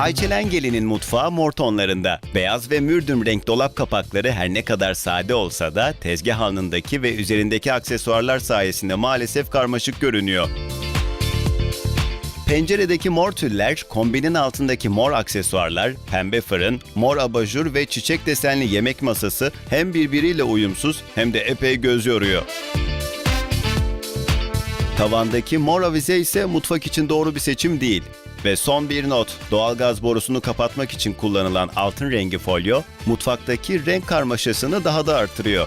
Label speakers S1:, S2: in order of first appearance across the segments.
S1: Ayçelen Gelin'in mutfağı mor tonlarında. Beyaz ve mürdüm renk dolap kapakları her ne kadar sade olsa da tezgah alnındaki ve üzerindeki aksesuarlar sayesinde maalesef karmaşık görünüyor. Penceredeki mor tüller, kombinin altındaki mor aksesuarlar, pembe fırın, mor abajur ve çiçek desenli yemek masası hem birbiriyle uyumsuz hem de epey göz yoruyor. Tavandaki mor avize ise mutfak için doğru bir seçim değil. Ve son bir not, doğalgaz borusunu kapatmak için kullanılan altın rengi folyo, mutfaktaki renk karmaşasını daha da artırıyor.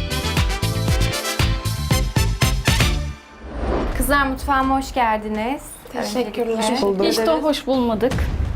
S2: Kızlar mutfağıma hoş geldiniz.
S3: Teşekkürler.
S2: Öncelikle.
S3: Hiç de hoş bulmadık.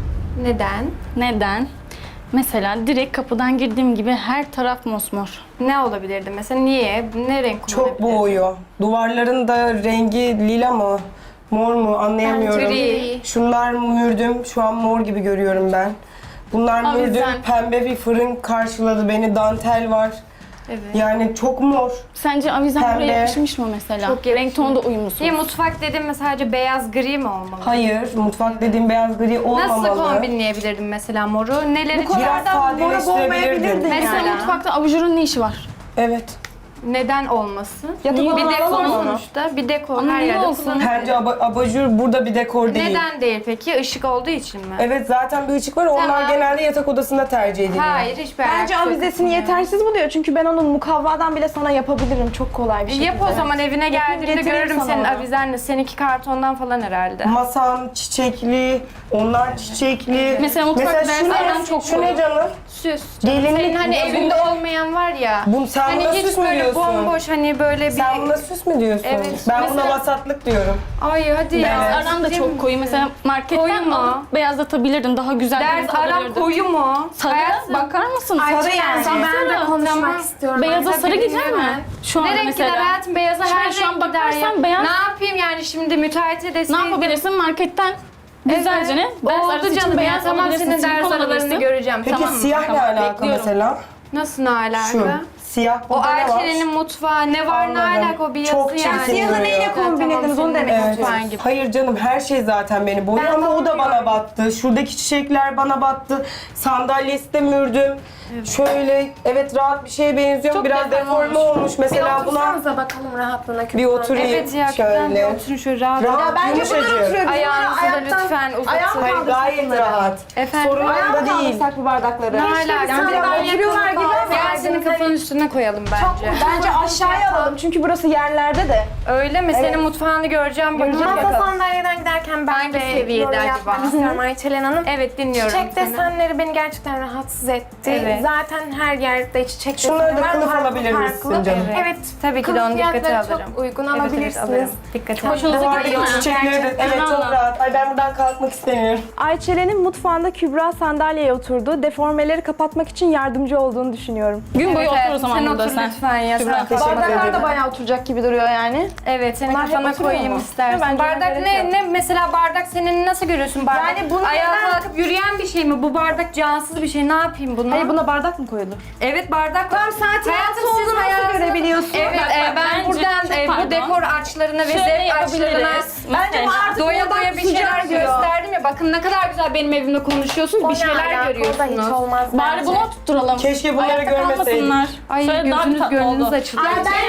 S2: Neden?
S3: Neden? Mesela direkt kapıdan girdiğim gibi her taraf mosmor.
S2: Ne olabilirdi mesela? Niye? Ne renk
S4: Çok
S2: kullanabilirdi?
S4: boğuyor. Duvarların da rengi lila mı, mor mu anlayamıyorum.
S2: Bence gri.
S4: Şunlar mürdüm, şu an mor gibi görüyorum ben. Bunlar mürdüm,
S3: Avizen.
S4: pembe bir fırın karşıladı beni, dantel var.
S2: Evet.
S4: Yani çok mor.
S3: Sence avizen
S4: Pembe.
S3: buraya yakışmış mı mesela?
S2: Çok yakışmış.
S3: Renk tonu da uyumsuz.
S2: Niye mutfak dedim mi sadece beyaz gri mi olmalı?
S4: Hayır, mutfak dediğim beyaz gri olmamalı.
S2: Nasıl kombinleyebilirdim mesela moru? Neler için?
S4: Biraz sadeleştirebilirdin.
S3: Mesela mutfakta abajurun ne işi var?
S4: Evet.
S2: Neden olmasın?
S3: Niye
S2: Bir dekor
S3: alalım onu?
S2: sonuçta. Bir dekor
S3: Ama
S2: her
S3: niye
S2: yerde
S3: olsun?
S2: kullanılır.
S4: Bence abajur burada bir dekor değil.
S2: Neden değil peki? Işık olduğu için mi?
S4: Evet, zaten bir ışık var. Onlar
S2: Tamam.
S4: genelde yatak odasında tercih ediliyor.
S2: Hayır, hiçbir
S5: Bence
S2: alakası yok
S5: avizesini
S2: bunun.
S5: yetersiz buluyor. Çünkü ben onun mukavvadan bile sana yapabilirim. Çok kolay bir şekilde.
S2: Yap o zaman evine geldiğimde
S5: getireyim
S2: görürüm
S5: sana
S2: senin
S5: onu.
S2: avizenle. Seninki kartondan falan herhalde.
S4: Masan çiçekli, onlar çiçekli.
S3: Mesela mutfak derslerden çok
S4: şu ne canım?
S2: Süs.
S4: Gelinlik
S2: Senin hani
S4: bu.
S2: evinde olmayan var ya.
S4: Sen
S2: Hani
S4: buna
S2: hiç
S4: süs mü
S2: böyle
S4: diyorsun?
S2: bomboş hani böyle bir...
S4: Sen buna süs mü diyorsun?
S2: Evet.
S4: Ben buna
S2: Mesela-
S4: vasatlık diyorum.
S2: Ay hadi ya.
S4: Evet.
S3: Aram da çok koyu. Mesela
S2: Koyu
S3: marketten
S2: mu?
S3: alıp beyazlatabilirdin. Daha güzel bir
S2: Ders
S3: renk
S2: aram
S3: alabilirdin.
S2: koyu mu?
S3: Sarı,
S2: Hayatım.
S3: bakar mısın?
S5: Sarı yani.
S3: Ben de
S2: Tamam.
S3: istiyorum. Beyaza
S2: Tabii
S3: sarı gider
S2: bilmiyorum.
S3: mi? Şu an
S2: Ne renk gider
S3: mesela.
S2: hayatım? Beyaza her
S3: Şu an
S2: renk gider ya.
S3: bakarsan beyaz.
S2: Ne yapayım yani şimdi müteahhite
S3: Ne
S2: deseydim.
S3: yapabilirsin? Marketten güzelce ne? Ders
S2: Oldu
S3: arası için
S2: canım ya.
S3: beyaz
S2: Tamam
S3: alabilirsin,
S2: senin
S3: silikon
S2: ders aralarını
S3: alabilirsin.
S2: göreceğim.
S4: Peki
S2: Tamam mı?
S4: siyah ne
S3: Tamam,
S4: alaka
S3: bekliyorum.
S4: mesela?
S2: Nasıl ne alaka?
S4: Şu. Siyah
S2: O
S4: burada ne var?
S2: Ayçe'nin mutfağı ne var ne
S4: Anladım.
S2: alaka o bir yazı
S4: Çok
S2: yani.
S4: çirkin
S5: Siyahı
S4: duruyor.
S5: neyle kombinlediniz onu demek
S4: Evet.
S5: istiyorum.
S2: Mutfağın gibi.
S4: Hayır canım, her şey zaten beni boyuyor ama o da bana battı. Şuradaki çiçekler bana battı. Sandalyesi de mürdüm. Şöyle, evet rahat bir şeye benziyor.
S2: Çok
S4: Biraz
S2: deforme
S4: deforme olmuş. Mesela buna
S5: bakalım rahatlığına.
S4: bir oturayım
S2: Evet ya ben de
S4: şöyle.
S2: oturun şöyle rahat.
S4: Rahat,
S5: Bence bunlar
S4: yumuşacık.
S5: oturuyor.
S2: Ayağınızı da
S5: Ayaktan-
S2: lütfen
S5: Ayağa
S2: uzatın.
S4: Hayır,
S5: kaldırsak
S4: gayet
S5: bunları.
S4: rahat.
S2: Efendim?
S4: Sorun
S5: Ayağa
S4: onda değil.
S5: kaldırsak bu bardakları.
S2: Ne alaka?
S5: Yani ben oturuyorlar gibi ama
S2: Gel senin kafanın üstüne koyalım bence.
S5: Bence aşağıya alalım çünkü burası yerlerde de.
S2: Öyle mi? Senin mutfağını göreceğim. Bakacağım.
S6: Masa sandalyeden giderken ben
S2: Hangi
S6: de
S2: seviyede
S6: yorum
S2: acaba?
S6: yapmak istiyorum Ayçelen Hanım.
S2: Evet dinliyorum
S6: Çiçek
S2: seni.
S6: desenleri beni gerçekten rahatsız etti.
S2: Evet.
S6: Zaten her yerde çiçek
S4: Şunları
S6: desenleri
S4: da
S6: var.
S4: kılıf
S6: farklı
S4: alabilir misin
S6: farklı.
S4: canım?
S6: Evet.
S2: Tabii ki de
S6: Kılıf
S2: onu dikkate
S6: fiyatları
S2: alırım.
S6: çok uygun
S2: Evet,
S6: alabilirsiniz.
S2: alırım. Dikkate alırım.
S3: Hoşunuza
S4: Buradaki
S3: gidiyor mu?
S4: çiçekleri de, evet çok
S3: Vallahi.
S4: rahat. Ay ben buradan kalkmak istemiyorum.
S5: Ayçelen'in mutfağında Kübra sandalyeye oturdu. Deformeleri kapatmak için yardımcı olduğunu düşünüyorum.
S3: Gün boyu
S2: Evet,
S3: otur o zaman
S2: sen
S3: burada
S2: otur
S3: sen.
S2: lütfen ya.
S3: Kübra.
S2: Sen
S4: Teşekkür
S5: Bardaklar
S4: ederim.
S5: da bayağı oturacak gibi duruyor yani.
S2: Evet, senin
S5: Bunlar hep
S2: kafana
S5: oturuyor
S2: koyayım
S5: mu?
S2: istersen.
S5: Bence
S2: Bardak
S5: gerek
S2: ne?
S5: yok.
S2: Ne mesela bardak senin nasıl görüyorsun bardak?
S5: Yani bunu
S2: ayağa
S5: neden-
S2: kalkıp yürüyen bir şey mi? Bu bardak cansız bir şey. Ne yapayım bunu?
S5: Hayır buna bardak mı koyulur?
S2: Evet bardak.
S5: Tam saatin
S2: Hayatım,
S5: nasıl
S2: siz
S5: olduğunu nasıl
S2: hayatınızda-
S5: görebiliyorsun?
S2: Evet,
S3: Bak,
S2: ben
S3: bence-
S2: buradan
S3: çok
S2: bu
S3: pardon.
S2: dekor açlarına ve
S3: Şöyle
S2: zevk açlarına
S3: yapabiliriz.
S5: Bence
S3: Mesela.
S5: artık
S2: doya
S5: buradan
S2: doya bir şeyler
S5: kusacağım diyor.
S2: gösterdim ya. Bakın ne kadar güzel benim evimde konuşuyorsunuz. Bir şeyler
S6: O da hiç
S2: görüyorsunuz.
S6: olmaz
S3: Bari
S6: bence.
S3: bunu oturtturalım.
S4: Keşke bunları
S3: Ayakta
S4: görmeseydik.
S3: kalmasınlar.
S2: Ay
S3: Şöyle daha bir
S2: gözünüz
S3: tatlı
S2: gönlünüz
S3: oldu.
S2: açıldı.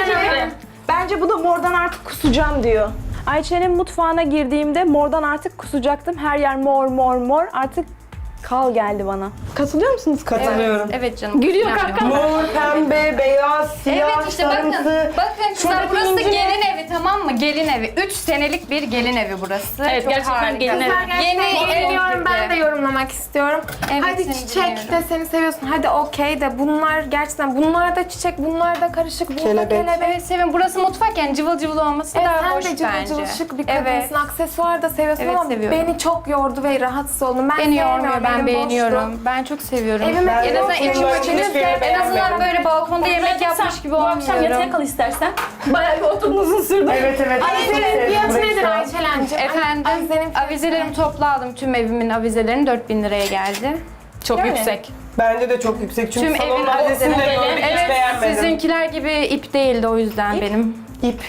S5: Bence bu da mordan artık kusacağım diyor. Ayçe'nin mutfağına girdiğimde mordan artık kusacaktım. Her yer mor mor mor. Artık kal geldi bana. Katılıyor musunuz?
S4: Katılıyorum.
S2: Evet canım.
S3: Gülüyor
S2: Yani.
S3: kanka.
S4: Mor, pembe, beyaz, siyah,
S2: Evet işte bakın.
S4: sarımsı.
S2: Bakın kızlar
S4: Şuradaki
S2: burası
S4: inci ne?
S2: gelin evi tamam mı? Gelin evi. 3 senelik bir gelin evi burası.
S3: Evet,
S2: Çok
S3: gerçekten
S2: harika.
S3: gelin evi.
S6: Gerçekten
S2: Yeni
S6: dinliyorum, ben de yorumlamak istiyorum.
S2: Evet,
S6: Hadi
S2: seni
S6: çiçek
S2: dinliyorum.
S6: de seni seviyorsun. Hadi okey de bunlar gerçekten bunlar da çiçek, bunlar da karışık, bu da
S4: Kelebek.
S6: kelebek.
S2: Evet Sevin burası mutfak yani cıvıl cıvıl olması daha
S6: sen
S2: hoş
S6: de cıvıl
S2: bence.
S6: cıvıl şık bir
S2: Evet.
S6: kadınsın. Aksesuar da seviyorsun
S2: Evet,
S6: ama
S2: seviyorum.
S6: beni çok yordu ve rahatsız oldum. Ben
S2: Beni yormuyor
S6: sevmiyorum,
S2: ben
S6: elim
S2: beğeniyorum.
S6: boştu.
S2: Ben çok seviyorum.
S6: Evime
S4: Ben
S2: en
S4: de
S2: azından
S4: oturuyorum,
S2: içim
S4: ben
S2: açılır.
S4: hiçbirini
S2: En azından
S4: beğenmedim.
S2: böyle balkonda yemek yapmış gibi
S3: Bu akşam yatağa
S2: olmuyorum.
S3: kal istersen. Bayağı bir oturdun uzun sürdü.
S4: Evet evet. ben çok
S6: Avizenin
S4: sevdim
S6: fiyatı
S4: burayı
S6: nedir
S4: şu an.
S6: Ayçelencim?
S2: Efendim
S6: Avizenin fiyatı
S2: avizelerimi topladım. Tüm evimin avizelerini 4000 liraya geldi.
S3: Çok
S5: Yani.
S3: yüksek.
S4: Bence de çok yüksek çünkü
S2: Tüm
S4: salon
S2: evin
S4: adresini de
S3: avizesi-
S4: gördük hiç
S2: Evet
S4: beğenmedim.
S2: sizinkiler gibi ip değildi o yüzden benim.
S4: İp.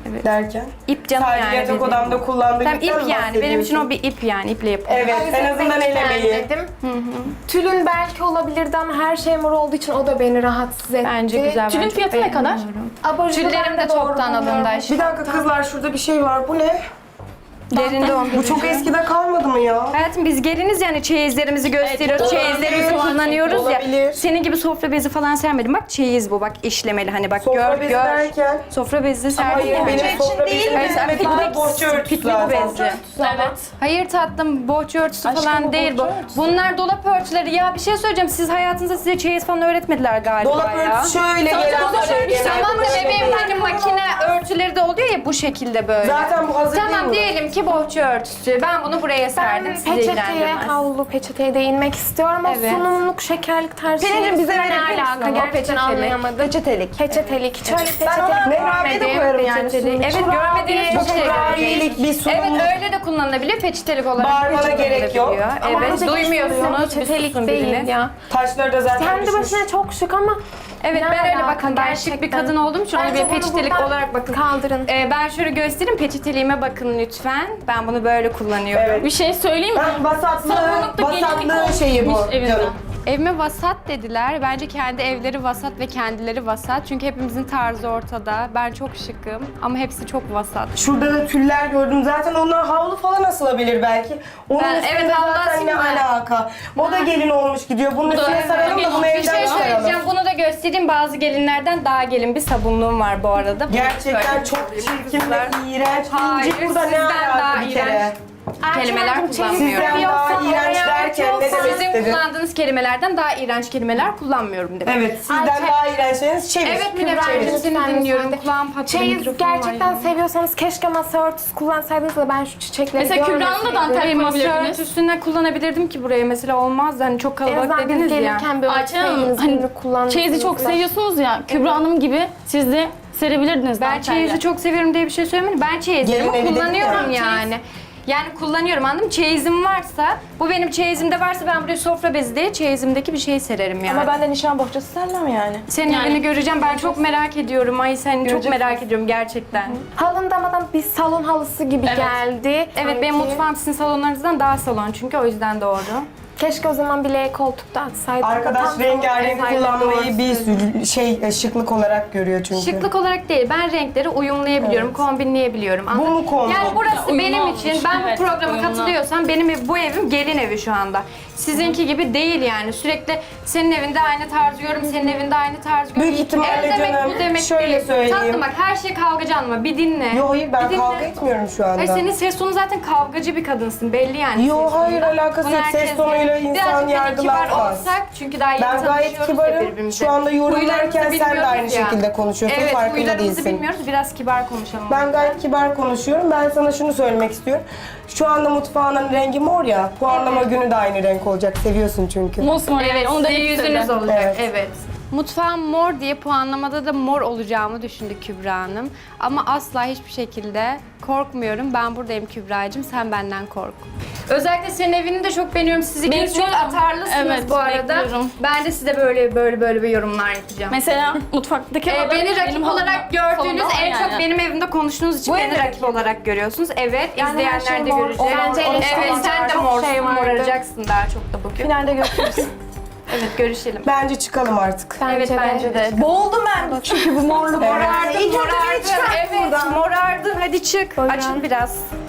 S4: derken.
S2: İp canım
S4: Sadece
S2: yani.
S4: yatak
S2: dediğim.
S4: odamda kullandığım
S2: Tamam
S4: ipten
S2: ip
S4: mi
S2: yani. Benim için
S4: bahsediyorsun?
S2: o bir ip yani. İple yapılıyor.
S4: Evet, en azından elemeyi.
S6: Dedim. Tülün belki olabilirdi ama her şey mor olduğu için o da beni rahatsız etti.
S2: Bence güzel.
S3: Tülün
S2: ben çok
S3: fiyatı ne kadar?
S2: beğeniyorum.
S6: Abajurlar
S2: Tüllerim de
S6: da doğru
S2: çoktan
S6: bulmuyorum.
S2: alındı.
S4: Bir dakika kızlar, şurada bir şey var. Bu ne?
S2: Derinde
S4: Bu çok eskide kalmadı mı ya?
S2: Hayatım biz geliniz yani çeyizlerimizi gösteriyoruz,
S3: Evet,
S2: çeyizlerimizi
S4: olabilir.
S2: kullanıyoruz
S4: Olabilir.
S2: ya. Senin gibi sofra bezi falan sermedim. Bak çeyiz bu, bak işlemeli hani bak
S4: Sofra
S2: gör
S4: bezi
S2: gör.
S4: derken.
S2: Sofra bezi serdim.
S4: Hayır,
S2: ya.
S4: benim sofra bezim
S2: Evet,
S4: değil. Bu da bohça örtüsü
S2: piknik
S4: zaten.
S2: bezi.
S3: Evet.
S2: Hayır tatlım, bohça örtüsü
S3: Aşkım,
S2: falan
S3: bu
S2: değil bu.
S3: bohça örtüsü.
S2: Bunlar dolap örtüleri. Ya bir şey söyleyeceğim. Siz hayatınızda size çeyiz falan öğretmediler galiba
S4: Dolap
S2: ya.
S4: örtüsü şöyle gelen
S2: Tamam da bebeğim hani makine örtüleri de oluyor ya bu şekilde böyle.
S4: Zaten bu hazır değil
S2: Tamam
S4: mi?
S2: diyelim ki bohça örtüsü. Ben bunu buraya serdim.
S6: Ben
S2: Sizi
S6: peçeteye,
S2: ilgilendirmez.
S6: havlu peçeteye değinmek istiyorum. O
S2: Evet.
S6: sunumluk, şekerlik tarzı
S5: Pelin'cim, bize
S6: ne
S5: verebilir misin
S6: alaka?
S5: ama?
S6: Gerçekten
S2: Peçetelik.
S6: anlayamadım.
S5: Peçetelik.
S6: Peçetelik. Hiç öyle peçetelik
S5: Ben ona
S6: görmedim.
S5: kurabiye de koyarım yani.
S2: Peçetelik. Evet görmediğiniz çok şey
S4: Kurabiyelik bir sunum.
S2: Evet öyle de kullanılabilir. Peçetelik olarak.
S4: Bağırmana
S2: da
S4: gerek yok.
S2: kullanılabiliyor.
S6: Ama
S2: Evet
S6: bu
S2: duymuyorsunuz. Bir
S6: peçetelik
S2: susun
S6: değil
S2: biriniz.
S6: ya.
S4: Taşları da zaten
S6: Kendi
S4: düşmüş.
S6: başına çok şık ama
S2: Evet
S6: ne
S2: ben öyle
S6: alaka
S2: bakın ben şık bir
S6: gerçekten?
S2: kadın olduğum için onu
S6: Bence
S2: bir
S6: bunu
S2: peçetelik
S6: buradan
S2: olarak bakın.
S6: kaldırın.
S2: Ben şöyle göstereyim. Peçeteliğime bakın lütfen. Ben bunu böyle kullanıyorum.
S4: Evet.
S3: Bir şey söyleyeyim mi?
S4: Ben vasatlı
S3: gelinlik olmuş
S4: şeyi bu
S3: evinde.
S4: canım.
S2: Evime vasat dediler. Bence kendi evleri vasat ve kendileri vasat. Çünkü hepimizin tarzı ortada. Ben çok şıkım ama hepsi çok vasat.
S4: Şurada da tüller gördüm. Zaten onlar havlu falan asılabilir belki. Onun
S2: Ben-
S4: üstünde
S2: evet, havlu
S4: zaten
S2: asayım
S4: ne
S2: ben.
S4: alaka. O da gelin olmuş gidiyor. Bunun üstüne saralım da bunu
S2: Bir
S4: evden
S2: şey
S4: çıkaralım.
S2: söyleyeceğim. Bunu da göstereyim. Bazı gelinlerden daha gelin bir sabunluğum var bu arada. Bunu
S4: Gerçekten
S2: söyleyeyim.
S4: çok çirkin ve iğrenç.
S2: Hayır,
S4: İncik burada ne
S2: sizden
S4: alaka
S2: daha
S4: bir kere?
S2: iğrenç. Kelimeler kullanmıyorum.
S4: Sizden daha iğrenç derken ne demek
S2: Sizin
S4: istedin?
S2: kullandığınız kelimelerden daha iğrenç kelimeler kullanmıyorum demek.
S4: Evet, sizden daha iğrençleriniz çevir.
S2: Evet
S4: Çevir.
S2: Münever'cim seni
S6: lütfen
S2: dinliyorum.
S6: müsaade.
S2: Kulağım patladı.
S6: Çeyiz
S2: mikrofon var
S6: gerçekten
S2: ya.
S6: seviyorsanız keşke masa örtüsü kullansaydınız da ben şu çiçekleri
S3: Mesela Kübra'nın da
S6: görmeseydim.
S3: dantel
S2: Hayır masa
S3: yapabilirdiniz.
S2: örtüsüne kullanabilirdim ki buraya mesela olmaz. Hani çok
S6: En
S2: kalabalık
S6: azından
S2: dediniz
S6: biz
S2: ya.
S6: gelirken bir
S3: Ayça Hanım,
S6: örtseydiniz,
S3: hani
S6: birini kullanmışsınız.
S3: Çeyizi çok seviyorsunuz ya. Kübra Hanım gibi siz de serebilirdiniz
S2: Ben
S3: dantelle.
S2: çeyizi çok seviyorum diye bir şey söylemedim. Ben çeyizimi
S4: Gelin evi dedik
S2: kullanıyorum
S4: ya.
S2: yani. Yani kullanıyorum anladın mı? Çeyizim varsa, bu benim çeyizimde varsa ben buraya sofra bezi diye çeyizimdeki bir şey sererim yani.
S5: Ama ben de nişan bohçası sermem yani.
S2: Senin
S3: Yani-
S2: evini göreceğim. Ben çok merak ediyorum. Ay seni çok merak ediyorum gerçekten.
S6: Halın da bana bir salon halısı gibi
S3: Evet.
S6: geldi.
S2: Evet benim
S6: Sanki.
S2: mutfağım sizin salonlarınızdan daha salon çünkü o yüzden doğru.
S6: Keşke o zaman bir L koltukta atsaydım.
S4: Arkadaş
S6: Tam
S4: rengarenk
S6: salon
S4: kullanmayı
S6: olsaydı.
S4: bir şıklık olarak görüyor çünkü.
S2: Şıklık olarak değil. Ben renkleri uyumlayabiliyorum, kombinleyebiliyorum. Anladın
S4: mu
S2: mı?
S4: kombin?
S2: Yani burası
S3: Uyumlu
S2: benim
S3: olmuş.
S2: için. Ben
S3: Evet,
S2: bu programa
S3: uyumlu.
S2: katılıyorsam benim bu evim gelin evi şu anda. Sizinki gibi değil yani. Sürekli senin evinde aynı tarz görüyorum, senin evinde aynı tarz görüyorum.
S4: Büyük ihtimalle
S2: Ev demek
S4: canım,
S2: bu demek
S4: şöyle
S2: değil.
S4: söyleyeyim.
S2: Tatlım bak her şey kavgacı anlama. Bir dinle.
S4: Yo hayır ben
S2: Bir dinle.
S4: kavga etmiyorum şu anda.
S2: Hayır senin ses tonu zaten kavgacı bir kadınsın belli yani.
S4: Yo,
S2: ses tonundan.
S4: hayır, alakası
S2: Bunu
S4: yok. Ses
S2: herkes
S4: tonuyla
S2: bilir.
S4: insan
S2: Birazcık hani kibar
S4: yargılanmaz.
S2: olsak çünkü daha yeni
S4: Ben gayet
S2: tanışıyoruz ya
S4: kibarım.
S2: birbirimize.
S4: Şu anda yorumlarken
S2: Huylarımızı
S4: sen de
S2: bilmiyoruz
S4: aynı
S2: ya.
S4: şekilde konuşuyorsun.
S2: Evet
S4: Farkında
S2: huylarımızı
S4: değilsin.
S2: bilmiyoruz biraz kibar konuşalım.
S4: Ben gayet kibar konuşuyorum. Ben sana şunu söylemek istiyorum. Şu anda mutfağının rengi mor ya. Puanlama günü de aynı renk olacak. Seviyorsun çünkü.
S3: Mosmor
S2: Evet,
S3: yani onu da
S2: sizin yüzünüz
S3: yüzünüz
S2: olacak.
S4: Evet.
S2: Evet. Mutfağım mor diye puanlamada da mor olacağımı düşündü Kübra Hanım. Ama asla hiçbir şekilde korkmuyorum. Ben buradayım Kübra'cığım, sen benden kork. Özellikle senin evini de çok beğeniyorum. Siz ikiniz çok
S3: Bekliyorum.
S2: atarlısınız
S3: Evet,
S2: bu arada.
S3: bekliyorum.
S2: Ben de size böyle bir yorumlar yapacağım.
S3: Mesela mutfaktaki halı
S2: Beni
S3: benim
S2: rakip olarak
S3: halımda-
S2: gördüğünüz,
S3: salonda
S2: en
S3: var
S2: çok
S3: yani.
S2: benim evimde konuştuğunuz için
S6: Bu
S2: beni
S6: evde
S2: rakip olarak görüyorsunuz. Evet,
S6: Yani her
S2: izleyenler
S6: şey
S2: de
S6: mor.
S2: görecek.
S6: Bence
S2: Evet,
S6: eleştiri
S2: sen de
S6: çok
S2: morsun,
S6: şey vardı.
S2: moracaksın daha çok da bugün.
S5: Finalde görüşürüz.
S2: Evet, görüşelim.
S4: Bence çıkalım artık.
S2: Evet, bence de.
S5: Boğuldum ben çünkü bu morluk.
S2: Morardın,
S5: İlk önce beni
S2: morardın.
S5: çıkart
S2: Evet,
S5: buradan.
S2: morardın. Hadi çık.
S6: Buyurun.
S2: Açıl biraz.